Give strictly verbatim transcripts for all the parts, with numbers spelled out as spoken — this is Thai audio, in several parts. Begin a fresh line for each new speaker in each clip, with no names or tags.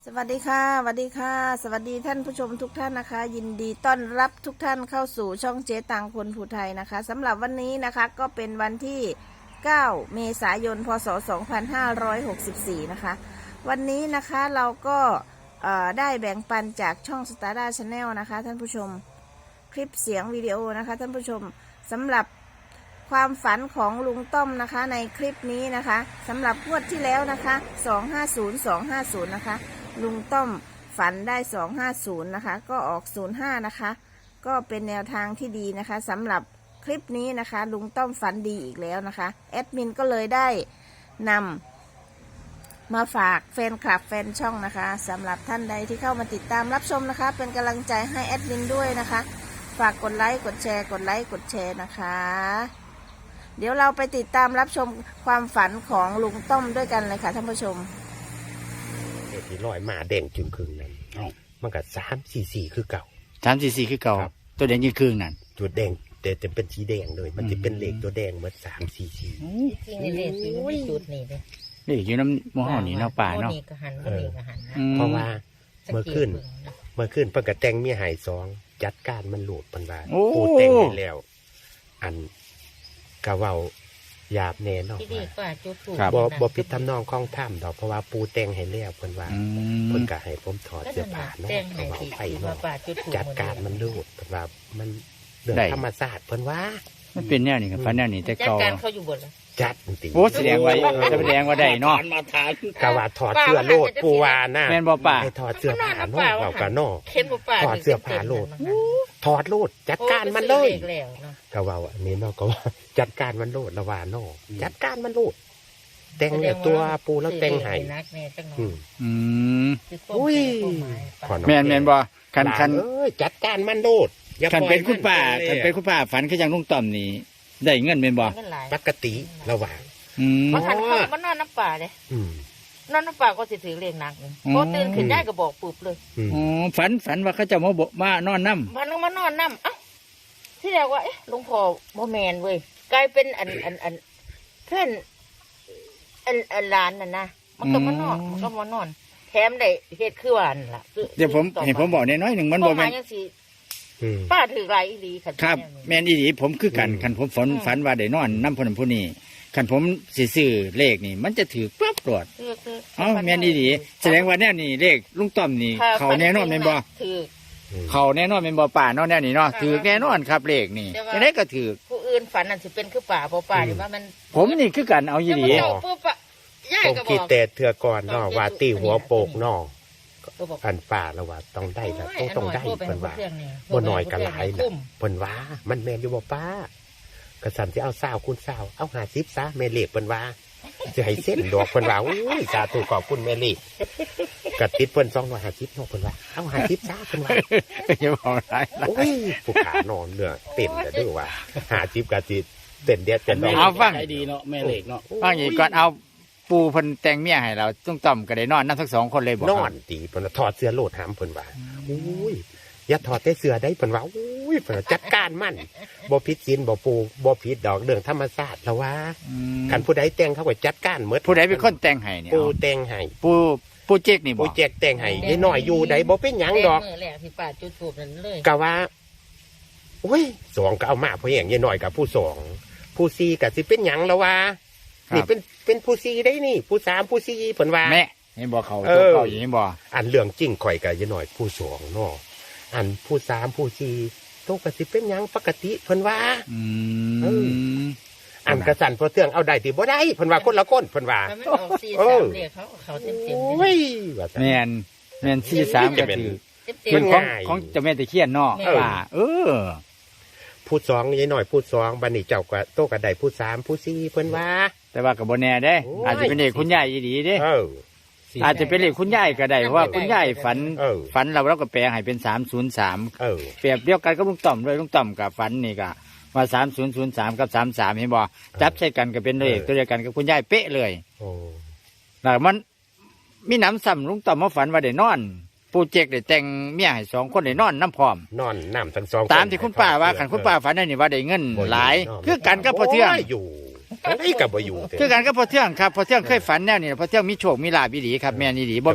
สวัสดีค่ะสวัสดีค่ะสวัสดีท่านผู้ชมทุกท่านนะคะ ยินดีต้อนรับทุกท่านเข้าสู่ช่องเจ๊ตังคนผู้ไทยนะคะสำหรับวันนี้นะคะก็เป็นวันที่เก้าเมษายนพศสองพันห้าร้อยหกสิบสี่นะคะวันนี้นะคะเราก็ได้แบ่งปันจากช่องสตาร์ด้าชาแนลนะคะท่านผู้ชมคลิปเสียงวิดีโอนะคะท่านผู้ชมสำหรับความฝันของลุงต้อมนะคะในคลิปนี้นะคะสำหรับงวดที่แล้วนะคะสองห้าศูนย์ สองห้าศูนย์นะคะลุงต้อมฝันได้สองห้าศูนย์นะคะก็ออกศูนย์ห้านะคะก็เป็นแนวทางที่ดีนะคะสำหรับคลิปนี้นะคะลุงต้อมฝันดีอีกแล้วนะคะแอดมินก็เลยได้นำมาฝากแฟนคลับแฟนช่องนะคะสำหรับท่านใดที่เข้ามาติดตามรับชมนะคะเป็นกำลังใจให้แอดมินด้วยนะคะฝากกดไลค์กดแชร์กดไลค์กดแชร์นะคะเดี๋ยวเราไปติดตามรับชมความฝันของลุงต้อมด้วยกันเลยค่ะท่านผู้ชม
เด็กที่ลอยมาแดงจึงคืนนั้นมันก็สามสี่สี่คือเก่า
สามสี่สี่คือเก่าตัวแดงยืนคืนนั่น
จุดแดงแต่จะเป็นสีแดงเลยมันจะเป็นเหล็กตัวแดงเหมือนสามสี่สี่
จริงๆเหล็กอยู่ในจุดนี้เลย
นี่อยู่น้ำมอห่อนี่เนาะป่าเนาะ
นี่ก็หันก็นี่ก็หัน
เพราะว่าเมื่อขึ้นเมื่อขึ้นเพิ่งกระแตงมีหายสองจัดการมันหลุดปันว่าปูแต่งไปแล้วอันกะเว้าหยาบแน่นอนบ่บ่ผิดทำนองคล้องถ้ำดอกเพราะว่าปูแต่งให้แล้วเพิ่นว่าเพิ่นก็ให้ผมถอดเสื้อผ้าเนาะก็เว้าไปเนาะจัดการมันหลุดเพิ่นว่ามันเรื่องธรรมชาติเพิ่นว่า
มันเป็นแนวนี้ครับฟันแนวนี้แต่เก่า
จัดการเขาอยู่บนแล้ว
จัดจริง
โอ้แสดงว่าแสดงว่าได้เนาะ
กะว่าถอดเสื้อโลดปูว่าน่ะ
แม่นบ่ป่า
ให้ถอดเสื้อผ้าเนาะเว้ากันเนาะถอดเสื้อผ้าโลดถอดโลดจัดการมันเลยกะว่าอันนี้เนาะก็ว่าจัดการมันโลดละว่าเนาะจัดการมันโลดแต่งเนี่ยตัวปูแล้วแต่งให้
อืมอืม
อุ้ย
แม่นแม่นบ่คันคัน
เอ้ยจัดการมันโลด
คันเป็นคุณป้าคันเป็นคุณป้าฝันคือจังลุงต้อมนี่ได้เงินเป็นบ่
ปกติระหว่าง
เพราะท่านเขามันนอนน้ำป่าเลยนอนน้ำป่าก็สิถือเรียงหนักพอตื่นขึ้นได้ก็บอกปุบเลย
อ๋อฝันฝันว่าเขาจะมาบอกมานอนน้
ำมันมานอนน้ำเอ้าที่แรกว่าเอ๊ะหลวงพ่อโมแมนเว้ยกลายเป็นอันอันอันเพื่อนอันอันร้านน่ะนะมันก็มานอนมันก็มานอนแถมได้เหตุคือวันล่ะ
เดี๋ยวผมเห็นผมบอกน้อยหนึ่งมันบอกแม่
ป้าถือไรอีหลี
ครับแม่นอีหลีผมคือกันคันผมฝันฝันว่าได้นอนน้ำพนผู้นี้คันผมสิซื้อเลขนี่มันจะถือปั๊บตรวจอ๋อแม่นอีหลีแสดงว่าแน่นี่เลขลุงต้อมนี่เขาแน่นอนแม่นบ่
ถือ
เขาแน่นอนแม่นบ่ป่าเนาะแน่นี่เนาะถือแน่นอนครับเลขนี่ยังไงก็ถือ
ผู้อื่นฝันนั่นสิเป็นคือป่าเพราะป่าหรือว่ามัน
ผมนี่คือกันเอาอีหลี
ผมคิดแต่เถื่อก่อนเนาะว่าตีหัวโปกเนาะอันป่าแล้วว่าต้องได้ละต้องต้องได้เพิ่นว่าบ่น้อยก็หลายละเพิ่นว่ามันแม่นอยู่บ่ป้ากระสันสิเอาสาวคุณสาวเอาห้าสิบซะแม่เลขเพิ่นว่าสิให้เส้นดอกเพิ่นว่าอุ้ยสาธุขอบคุณแม่เลขกระติดเพิ่นสองร้อยห้าสิบเนาะเพิ่นว่าเอาห้าสิบซะเพิ่นว่า
อย่าบอกหลาย
โอ้ยผู้ขานอนเนื้อเต็มแล้วด้วยว่าห้าสิบกะสิเต้นเด็ดเป็นดอก
เอาฟัง
ดีเนาะแม่เลขเนาะ
ฟังอีกก่อนเอาปูเพิ่นแต่งเมียให้เราต้องต่อมก็ได้นอนนั่งทั้งสองคนเลยบ่
นอนตีเพิ่นถอดเสื้อโลดหามเพิ่นว่าอุ้ยอย่าถอดแต่เสื้อได้เพิ่นว่าอุ้ยเพิ่นจัดการมันบ่ผิดศีลบ่ปูบ่ผิดดอกเรื่องธรรมชาติแล้วว่าคันผู้ใดแต่งเขาก็จัดการหมด
ผู้ใดเป็นคนแต่งให้เนี่ย
ปูแต่งให้
ปูปูเจ๊กนี่บ่
ปูเจ๊กแต่งให้ยายน้อยอยู่ใดบ่เป็นหยังดอก
มื้อแรกที่ป้าจุดธูปนั่นเลย
ก็ว่าโอ้ยสองก็เอามาเพราะหยังยายน้อยกับผู้สองผู้สี่ก็สิเป็นหยังแล้วว่านี่เป็นเป็นผู้ซีได้นี่ผู้สามผู้ซีเพิ่นว่า
แม่ให้บอกเขาตัวเขาอย่างนี้บ่
อันเรื่องจริงข่อยก็ยายน้อยผู้สองเนาะอันผู้สามผู้สี่โตก็สิเป็นหยังปกติเพิ่นว่า
อืม
อันกระสันพอเทื่องเอาได้ติบ่ได้เพิ่นว่าคนละคนเพิ่นว่า
เออเขาเขาเต็มๆโอ้
ย
แม่นแม่นสี่สามก็คือเป็นของของเจ้าแม่ตะเคียนเนาะป่าเออ
ผู้สองยายน้อยผู้สองบัดนี้เจ้าก็โตก็ได้ผู้สามผู้สี่เพิ่นว่า
แต่ว่าก็บ่แน่เด้อาจจะเป็นเลขคุณยายดีเด้เอออาจจะเป็นเลขคุณยายก็ได้เพราะว่าคุณยายฝันฝันเราเราก็แปลให้เป็นสามศูนย์สามเออเปรียบเดียวกันกับลุงต่อมด้วยลุงต่อมกับฝันนี่ก็ว่าสามศูนย์ศูนย์สามกับสามสามเห็นบ่จับใช้กันก็เป็นเลขตัวเดียวกันกับคุณยายเป๊ะเลยโอ้แล้วมันมีน้ำซ้ำลุงต่อมมาฝันว่าได้นอนปูเจกได้แต่งเมียให้สองคนได้นอนน้ำพร้อม
นอนน้ำทั้งสอง
ตามที่คุณป้าว่าขันคุณป้าฝันได้นี่ว่าได้เงินหลายคือกันกับพอเที่ยง
อยู่ไอ้กับบ่อยู่
คือกันกับพอเที่ยงครับพอเที่ยงเคยฝันแนวนี้พอเที่ยงมีโชคมีลาภดีครับแม่นี่ดีบ่แม่น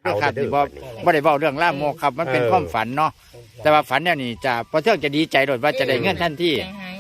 ด้วยครับนี่บ่บ่ได้เว้าเรื่องล่ามกครับมันเป็นความฝันเนาะแต่ว่าฝันเนี่ยนี่จะพอเทื่องจะดีใจโดดว่าจะได้เงินทันที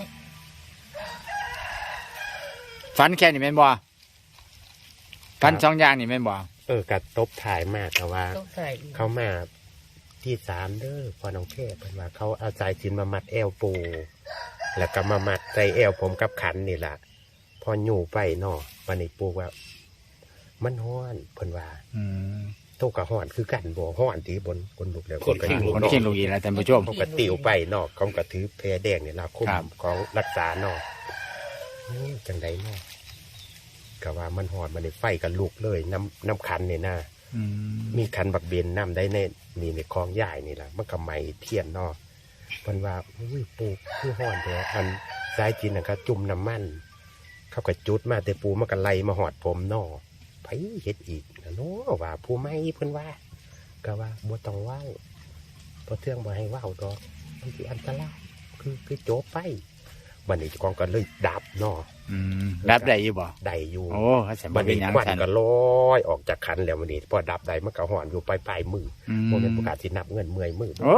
ฝันแค่นี้แม่นบ่ฝันสองอย่างนี่แม่นบ่
เออกระตบถ่ายมากแต่ว่าเขามาที่สามเด้อพอน้องเทพเป็นว่าเขาเอาสายสิญจนมามัดแอวปูแล้วก็มามัดใจแอวผมกับขันนี่แหละพออยู่ไปเนาะวันนี้ปูว่ามันห้อนเพิ่นว่าโตกับห้อนคือกันบ่ห้อนที่บนบนลูกแล้วคนขี้ลูก
คนขี้ลูกอีแล้วท่านผู้ชม
เขาก็ติวไปเนาะเขาก็ถือแพรแดงนี่ล่ะคุ้มของรักษาเนาะจังไดเนาะก็ว่ามันห้อนมันได้ไฟกับลูกเลยน้ำน้ำขันนี่นะมีขันบักเบนน้ำได้ในนี่ในคลองใหญ่นี่แหละมันก็ไหม้เทียนเนาะเพิ่นว่าอุ้ยปูคือห้อนแท้อันสายจีนน่ะก็จุ่มน้ำมันเขาก็จุดมาแต่ปูมันก็ไล่มาหอดผมเนาะไผเฮ็ดอีกนะเนาะว่าผู้ไม่เพิ่นว่าก็ว่าบ่ต้องเว้าเพราะเทื่องบ่ให้เว้าดอกมันสิอันตรายคือคือโจบไปบัดนี้เจ้าของก็เลยดับเนาะ
ดับได้อยู่บ่
ได้อยู่
โอ้
บัดนี้ควันก็ลอยออกจากคันแล้ววันนี้พอดับได้มันก็หอนอยู่ปลายปลายมือโมเมนต์ประกาศสินับเงินเมื่อยมือ
โอ้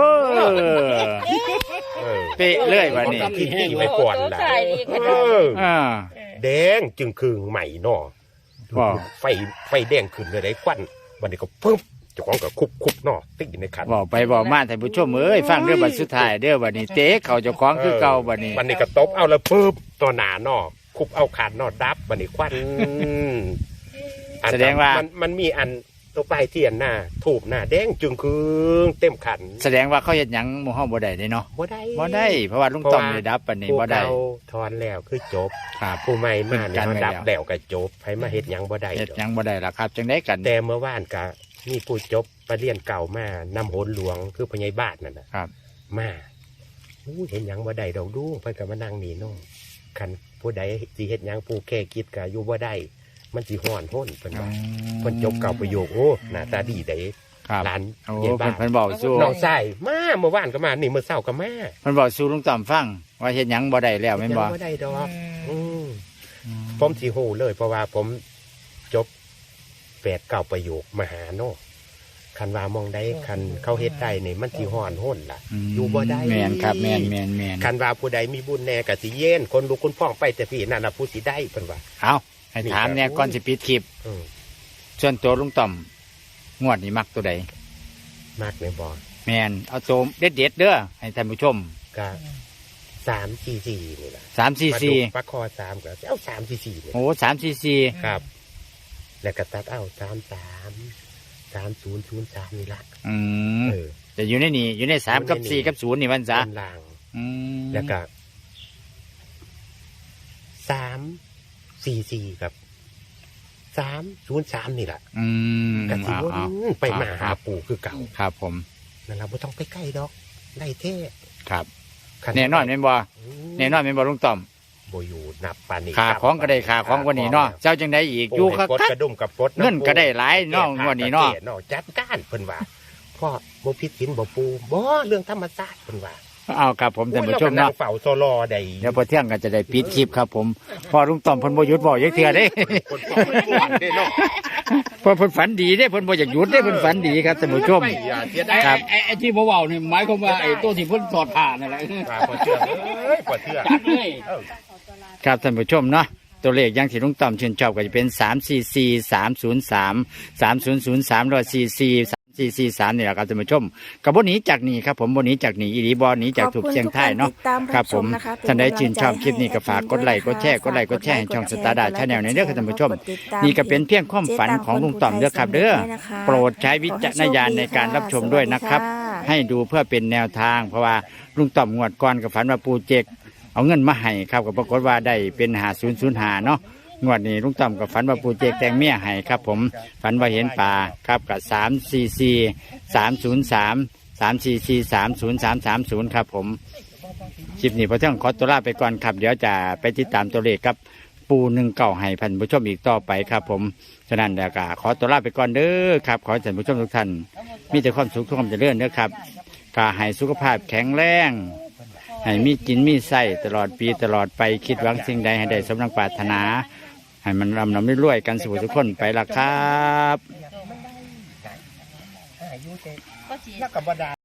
เป๊ะเลยวันนี้
ที่ที่ไปก่อนล่ะแดงจึงคือใหม่เนาะไฟไฟแดงขึ้นเลยได้ควันวันนี้ก็ปึ๊บเจ้าของก็คุบคุบเนาะติดในคัน
บอกไปบอกมาท่านผู้ชมเอ้ยฟังเรื่องบัดสุดท้ายเด้อวันนี้เต๊ะเขาเจ้าของคือเก่าวันนี้
วันนี้ก็ตบเอาแล้วปึ๊บตัวหนาเนาะคุบเอาขาดนอดดับบันนี้ควัน
แสดงว่า
มันมันมีอันตัวปลายเทียนหน้าถูกหน้าแดงจึงคือเต็มขัน
แสดงว่าเขาเห็นหยังหมู่เฮาบ่ได้เนาะ
บ่ได้
บ่ได้เพราะว่าลุงต้อมได้ดับปานนี้บ่ได้
ถอนแล้วคือจบ
ครับ
ผู้ใหม่มาเนี่ยดับแล้วก็จบไผมาเฮ็ดหยังบ่ได้
เฮ็ดหยังบ่ได้ล่ะครับจังได๋กัน
แต่เมื่อวานก็มีผู้จบปรริญญาเก่ามานำโหนหลวงคือพญายบ้านนั่นน่ะ
ครับ
มาอู้เห็นหยังบ่ได้ดอกดูเพิ่นก็มานั่งนี่เนาะคันผู้ใดสิเฮ็ดหยังผู้แค่คิดก็อยู่บ่ได้มันสิฮ้อนห้นเพิ่นว่าเพิ่นจบเก่าประโยคโอ้หน้าตาดีได้หลาน
เย็นบ้านเพิ่นบอกสู้
น้องชายมาเมื่อวานก็มานี่เมื่อเช้าก็มา
เพิ่นบอกสู้ลุงต่อมฟังว่าเฮ็ดหยังบ่ได้แล้วแม่นบ่
บ่ได้ดอกอือผมสิฮู้เลยเพราะว่าผมจบแปดเก้าประโยคมหาโนคันว่ามองได้คันเขาเฮ็ดได้นี่มันสิฮ้อนห้นล่ะอยู่บ่ได้
แม่นครับแม่นแม่นแม่น
คันว่าผู้ใดมีบุญแน่ก็สิเย็นคนลูกคนพ่องไปแต่พี่นั่นน่ะผู้สิได้เพิ่นว่า
เอ้าให้ถามแน่ก่อนสิปิดคลิปส่วนตัวลุงต่อมงวดนี้มักตัวใด
มักแม่บ่
แม่นเอาโจมเด็ดๆเด้อให้ท่านผู้ชม
ก็สาม สี่ สี่นี่ล่ะ
สาม สี่ สี่
ปลาคอสามก็เอาสาม สี่ สี่
โอ้สาม สี่ สี่
ครับแล้วก็ตัดเอาสาม สาม สาม ศูนย์ ศูนย์ สามนี่ล่ะ
อืมเออแต่อยู่ในนี่อยู่ในสามกับสี่กับศูนย์นี่มันซะ
ล่างอืมแล้วก็สามสี่สี่ครับสามศูนย์สามนี่แหละ
อืม
กะทิวนไปมาหาปู่คือเก่า
ครับผม
นั่นเราไม่ต้องไปใกล้ดอกได้เท่
ครับแน่นอนเป็นบ่แน่นอนเป็นบ่ลุงต่อม
บ่อยู่นับปานนี้
ขาของก็ได้ขาของกว่านี้เนาะเจ้าจังได้อีกอยู่คัก
กระดุมกับปด
เงินก็ได้หลายเนาะกว่านี้เนาะ
จัดการเพิ่นว่าพ่อบ่ผิดศีลบ่ปูบ่เรื่องธรรมชาติเพิ่นว่า
เอาครับผมท่านผู้ชมเนาะ
เฝ้าโซลอได้
เดี๋ยวพอเที่ยงก็จะได้ปิดคลิปครับผมพอลุงต่อมเพิ่นบ่หยุดบ่ยักเทื่อเด้เพิ่นเพิ่นฝันดีเด้เพิ่นบ่อยากหยุดเด้เพิ่นฝันดีครับท่านผู้ชม
ครับไอ้ไอ้ที่บ่เว้านี่หมายความว่าไอ้ตัวที่เพิ่นถอดผ้านั่นแหละ
พอเชื่อเอ้ยพอเชื่อ
จัดเลย
ครับท่านผู้ชมเนาะตัวเลขอย่างที่ลุงต่อมชื่นชอบก็จะเป็นสาม สี่ สี่ สาม ศูนย์ สาม สาม ศูนย์ ศูนย์ สาม สี่ สี่สี่สี่สามนี่แหละครับท่านผู้ชมกับบนนี้จากนี้ครับผมบนนี้จากนี้อีรีบอลนี้จากถูกเชียงไทยเนาะครับผมท่านใดชื่นชอบคลิปนี้ก็ฝากกดไลค์กดแชร์กดไลค์กดแชร์ให้ช่องสตาร์ดาชาแนลในเรื่องท่านผู้ชมนี่ก็เป็นเพียงความฝันของลุงต่อมเด้อครับเด้อโปรดใช้วิจารณญาณในการรับชมด้วยนะครับให้ดูเพื่อเป็นแนวทางเพราะว่าลุงต่อมงวดก่อนกับฝันว่าปูเจกเอาเงินมาให้ครับก็ปรากฏว่าได้เป็นหาศูนย์ศูนย์หาเนาะงวดนี้ลุงต่อมกับฝันว่าปูเจกแตงเมียให้ครับผมฝันว่าเห็นปลาครับกับสามสี่สี่สามศูนย์สามสามสี่สี่สามศูนย์สามสามศูนย์ครับผมคลิปนี้พอเที่ยงขอตัวลาไปก่อนครับเดี๋ยวจะไปติดตามตัวเลขกับปูหนึ่งเก่าให้พันผู้ชมอีกต่อไปครับผมฉะนั้นเดี๋ยวก็ขอตัวลาไปก่อนเด้อครับขอให้ท่านผู้ชมทุกท่านมีแต่ความสุขทุกความเจริญเด้อครับก็ให้สุขภาพแข็งแรงให้มีกินมีใส่ตลอดปีตลอดไปคิดหวังสิ่งใดให้ได้สมดังปรารถนาให้มันรำรำรวยๆกันสู่ทุกคนไปละครับ
อยู่แต่
ก็สิ
นักกับบดา